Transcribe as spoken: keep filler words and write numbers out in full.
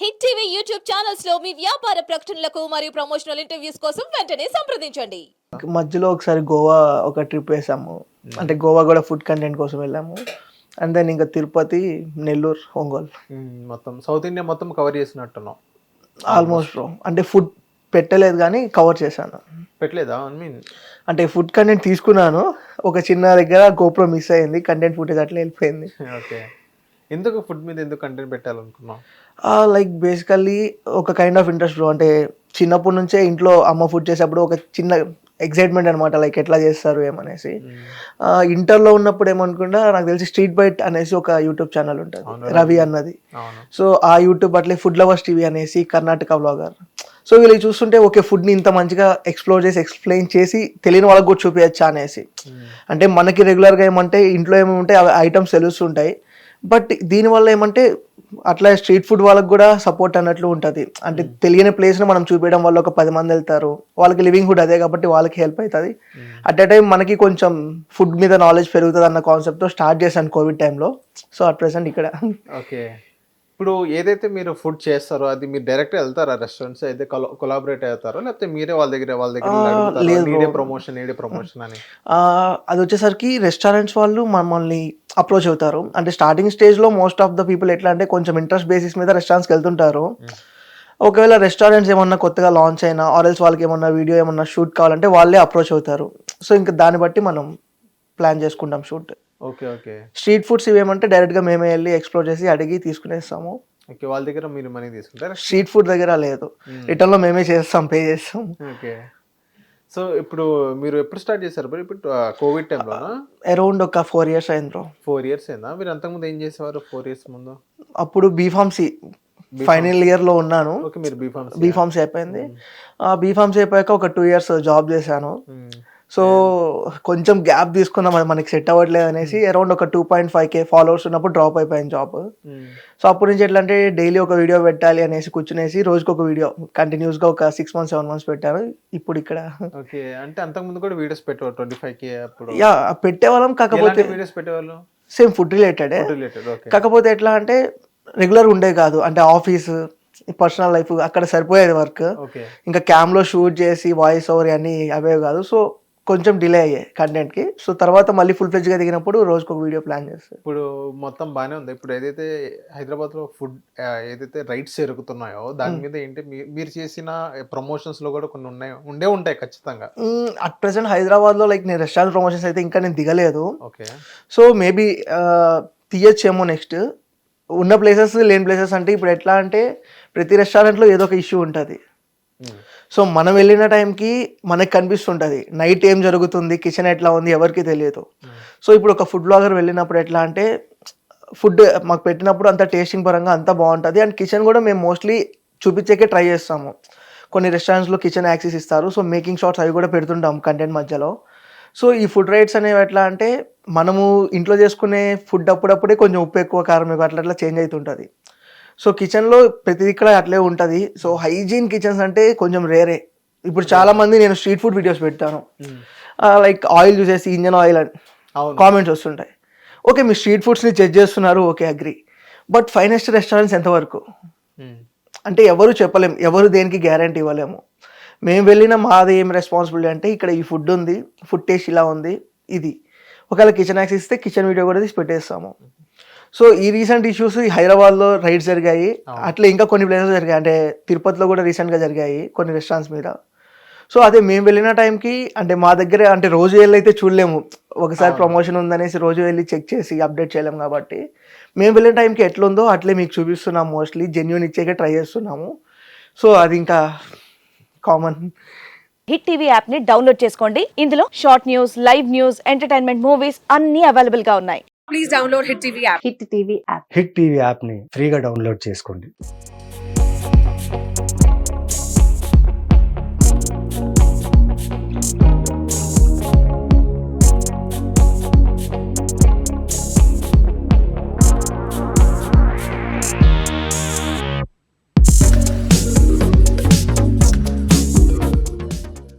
Hit TV YouTube channels లో మీ వ్యాపార ప్రకటనలకు మరియు ప్రమోషనల్ ఇంటర్వ్యూస్ కోసం వెంటనే సంప్రదించండి. మధ్యలో ఒకసారి గోవా ఒక ట్రిప్ వేసాము. అంటే గోవా కూడా ఫుడ్ కంటెంట్ కోసం వెళ్ళాము. అండ్ దెన్ ఇంకా తిరుపతి, నెల్లూరు, ఒంగోలు మొత్తం సౌత్ ఇండియా మొత్తం కవర్ చేసినట్టున్నాం ఆల్మోస్ట్. అంటే ఫుడ్ పెట్టలేదు కానీ కవర్ చేశాను. పెట్టలేదా? ఐ మీన్ అంటే ఫుడ్ కంటెంట్ తీసుకున్నాను, ఒక చిన్న దగ్గర గోప్రో మిస్ అయింది, కంటెంట్ ఫుటేజ్ అట్లా వెళ్ళిపోయింది. ఓకే, ఎందుకు ఫుడ్ మీద ఎందుకు కంటెంట్ పెట్టాలనుకున్నాం? లైక్ బేసికల్లీ ఒక కైండ్ ఆఫ్ ఇంట్రెస్ట్ బ్రో. అంటే చిన్నప్పటి నుంచే ఇంట్లో అమ్మ ఫుడ్ చేసేటప్పుడు ఒక చిన్న ఎక్సైట్మెంట్ అనమాట, లైక్ ఎట్లా చేస్తారు ఏమనేసి. ఇంటర్లో ఉన్నప్పుడు ఏమనుకుంటా, నాకు తెలిసి స్ట్రీట్ బైట్ అనేసి ఒక యూట్యూబ్ ఛానల్ ఉంటుంది, రవి అన్నది. సో ఆ యూట్యూబ్ అట్లే ఫుడ్ లవర్స్ టీవీ అనేసి కర్ణాటక వ్లాగర్. సో వీళ్ళు చూస్తుంటే ఓకే, ఫుడ్ని ఇంత మంచిగా ఎక్స్ప్లోర్ చేసి ఎక్స్ప్లెయిన్ చేసి తెలియని వాళ్ళకి కూడా చూపించచ్చా అనేసి. అంటే మనకి రెగ్యులర్గా ఏమంటే ఇంట్లో ఏమి ఉంటే అవి ఐటమ్స్ తెలుస్తుంటాయి, బట్ దీనివల్ల ఏమంటే అట్లా స్ట్రీట్ ఫుడ్ వాళ్ళకి కూడా సపోర్ట్ అన్నట్లు ఉంటుంది. అంటే తెలియని ప్లేస్ని మనం చూపించడం వల్ల ఒక పది మంది వెళ్తారు, వాళ్ళకి లివింగ్ హుడ్ అదే కాబట్టి వాళ్ళకి హెల్ప్ అవుతుంది. అట్ ఎ టైం మనకి కొంచెం ఫుడ్ మీద నాలెడ్జ్ పెరుగుతుంది అన్న కాన్సెప్ట్తో స్టార్ట్ చేశాను కోవిడ్ టైంలో. సో అట్ ప్రెసెంట్ ఇక్కడ. ఓకే, ఇప్పుడు ఏదైతే మీరు ఫుడ్ చేస్తారో అది మీరు డైరెక్ట్ వెళ్తారా రెస్టారెంట్స్ అయితే కొలాబరేట్ అవుతారో, లేకపోతే మీరే వాళ్ళ దగ్గర వాళ్ళ దగ్గర ప్రమోషన్ ఏడే ప్రమోషన్ అని? అది వచ్చేసరికి రెస్టారెంట్స్ వాళ్ళు మమ్మల్ని అప్రోచ్ అవుతారు. అంటే స్టార్టింగ్ స్టేజ్లో మోస్ట్ ఆఫ్ ద పీపుల్ ఎట్లా అంటే కొంచెం ఇంట్రెస్ట్ బేసిస్ మీద రెస్టారెంట్స్కి వెళ్తుంటారు. ఒకవేళ రెస్టారెంట్స్ ఏమన్నా కొత్తగా లాంచ్ అయినా ఆర్ఎల్స్ వాళ్ళకి ఏమన్నా వీడియో ఏమన్నా షూట్ కావాలంటే వాళ్ళే అప్రోచ్ అవుతారు. సో ఇంకా దాన్ని బట్టి మనం ప్లాన్ చేసుకుంటాం shoot. Okay okay. Street foods ఇవేమంటే డైరెక్ట్గా మేమే వెళ్ళి ఎక్స్ప్లోర్ చేసి అడిగి తీసుకునేస్తాము. ఓకే, వాళ్ళ దగ్గర మీరు మనీ తీసుకుంటారా? స్ట్రీట్ ఫుడ్ దగ్గర లేదు, రిటర్న్లో మేమే చేస్తాం, పే చేస్తాం. ఓకే, సో ఇప్పుడు మీరు ఎప్పుడు స్టార్ట్ చేశారు బ్రో? ఇప్పుడు కోవిడ్ టైంలోనా? అరౌండ్ ఒక ఫోర్ ఇయర్స్ అయింది బ్రో. ఫోర్ ఇయర్స్ అయిందా? మీరు అంతకుముందు ఏం చేసేవారు ఫోర్ ఇయర్స్ ముందు? అప్పుడు బీఫార్మసీ ఫైనల్ ఇయర్లో ఉన్నాను. ఓకే, మీరు బీఫార్మసీ బీఫార్మసీ అయిపోయింది. బీఫార్మసీ అయిపోయాక ఒక టూ ఇయర్స్ జాబ్ చేశాను. సో కొంచెం గ్యాప్ తీసుకున్నాం, అది మనకి సెట్ అవ్వట్లేదు అనేసి అరౌండ్ ఒక two point five K followers ఉన్నప్పుడు డ్రాప్ అయిపోయింది జాబ్. సో అప్పటి నుంచి ఎట్లా అంటే డైలీ ఒక వీడియో పెట్టాలి అనేసి కూర్చునేసి రోజుకి ఒక వీడియో కంటిన్యూస్గా ఒక సిక్స్ మంత్స్ సెవెన్ మంత్స్ పెట్టాను. ఇప్పుడు ఇక్కడ. ఓకే, అంటే అంతకుముందు కూడా వీడియోస్ పెట్టేవారు ట్వంటీ ఫైవ్ కే అప్పుడు? యా పెట్టేవాళ్ళం, కాకపోతే వీడియోస్ పెట్టేవాళ్ళు సేమ్ ఫుడ్ రిలేటెడ్. కాకపోతే ఎట్లా అంటే రెగ్యులర్ ఉండే కాదు, అంటే ఆఫీస్ పర్సనల్ లైఫ్ అక్కడ సరిపోయేది వర్క్. ఇంకా క్యామ్లో షూట్ చేసి వాయిస్ ఓవర్ అన్నీ అవే కాదు. సో కొంచెం డిలే అయ్యాయి కంటెంట్కి. సో తర్వాత మళ్ళీ ఫుల్ ఫ్లెడ్జ్గా దిగినప్పుడు రోజుకి ఒక వీడియో ప్లాన్ చేస్తాను. ఇప్పుడు మొత్తం బాగానే ఉంది. ఇప్పుడు ఏదైతే హైదరాబాద్లో ఫుడ్ ఏదైతే రైట్స్ జరుగుతున్నాయో దాని మీద ఏంటి మీరు చేసిన ప్రమోషన్స్లో కూడా కొన్ని ఉన్నాయి, ఉండే ఉంటాయి ఖచ్చితంగా. అట్ ప్రెసెంట్ హైదరాబాద్లో లైక్ నేను రెస్టారెంట్ ప్రమోషన్స్ అయితే ఇంకా నేను దిగలేదు. ఓకే, సో మేబీ తీయచ్చేమో నెక్స్ట్. ఉన్న ప్లేసెస్ లేని ప్లేసెస్ అంటే ఇప్పుడు ఎట్లా అంటే ప్రతి రెస్టారెంట్లో ఏదో ఒక ఇష్యూ ఉంటుంది. సో మనం వెళ్ళిన టైంకి మనకు కనిపిస్తుంటుంది నైట్ ఏం జరుగుతుంది, కిచెన్ ఎట్లా ఉంది ఎవరికి తెలియదు. సో ఇప్పుడు ఒక ఫుడ్ బ్లాగర్ వెళ్ళినప్పుడు ఎట్లా అంటే ఫుడ్ మాకు పెట్టినప్పుడు అంత టేస్టింగ్ పరంగా అంతా బాగుంటుంది. అండ్ కిచెన్ కూడా మేము మోస్ట్లీ చూపించేకే ట్రై చేస్తాము. కొన్ని రెస్టారెంట్స్లో కిచెన్ యాక్సెస్ ఇస్తారు, సో మేకింగ్ షాట్స్ అవి కూడా పెడుతుంటాం కంటెంట్ మధ్యలో. సో ఈ ఫుడ్ రైట్స్ అనేవి ఎట్లా అంటే మనము ఇంట్లో చేసుకునే ఫుడ్ అప్పుడప్పుడే కొంచెం ఉప్పు ఎక్కువ కారం ఎక్కువ అట్లా అట్లా చేంజ్ అవుతుంటుంది. సో కిచెన్లో ప్రతి ఇక్కడ అట్లే ఉంటుంది. సో హైజీన్ కిచెన్స్ అంటే కొంచెం రేరే. ఇప్పుడు చాలా మంది నేను స్ట్రీట్ ఫుడ్ వీడియోస్ పెడతాను, లైక్ ఆయిల్ చూసేసి ఇంజన్ ఆయిల్ అని కామెంట్స్ వస్తుంటాయి. ఓకే, మీ స్ట్రీట్ ఫుడ్స్ని చెక్ చేస్తున్నారు, okay agree. But finest restaurants ఎంతవరకు అంటే ఎవరు చెప్పలేము, ఎవరు దేనికి గ్యారంటీ ఇవ్వలేము. మేము వెళ్ళిన మాది ఏం రెస్పాన్సిబిలిటీ అంటే ఇక్కడ ఈ ఫుడ్ ఉంది, ఫుడ్ టేస్ట్ ఇలా ఉంది, ఇది ఒకవేళ కిచెన్ యాక్సెస్ ఇస్తే కిచెన్ వీడియో కూడా తీసి పెట్టేస్తాము. సో ఈ రీసెంట్ ఇష్యూస్ ఈ హైదరాబాద్లో రైడ్స్ జరిగాయి, అట్లా ఇంకా కొన్ని ప్లేసెస్ జరిగాయి. అంటే తిరుపతిలో కూడా రీసెంట్గా జరిగాయి కొన్ని రెస్టారెంట్స్ మీద. సో అదే మేము వెళ్ళిన టైంకి అంటే మా దగ్గర అంటే రోజు వెళ్ళి అయితే చూడలేము, ఒకసారి ప్రమోషన్ ఉందనేసి రోజు వెళ్ళి చెక్ చేసి అప్డేట్ చేయలేము. కాబట్టి మేము వెళ్ళిన టైంకి ఎట్లుందో అట్లే మీకు చూపిస్తున్నాం, మోస్ట్లీ జెన్యూన్ ఇచ్చేకే ట్రై చేస్తున్నాము. సో అది ఇంకా కామన్. హిట్ టీవీ యాప్ ని డౌన్లోడ్ చేసుకోండి. ఇందులో short news, live news, entertainment movies అన్ని అవైలబుల్ గా ఉన్నాయి. Please download Hit TV app. Hit TV app Hit TV app ని ఫ్రీగా డౌన్లోడ్ చేసుకోండి.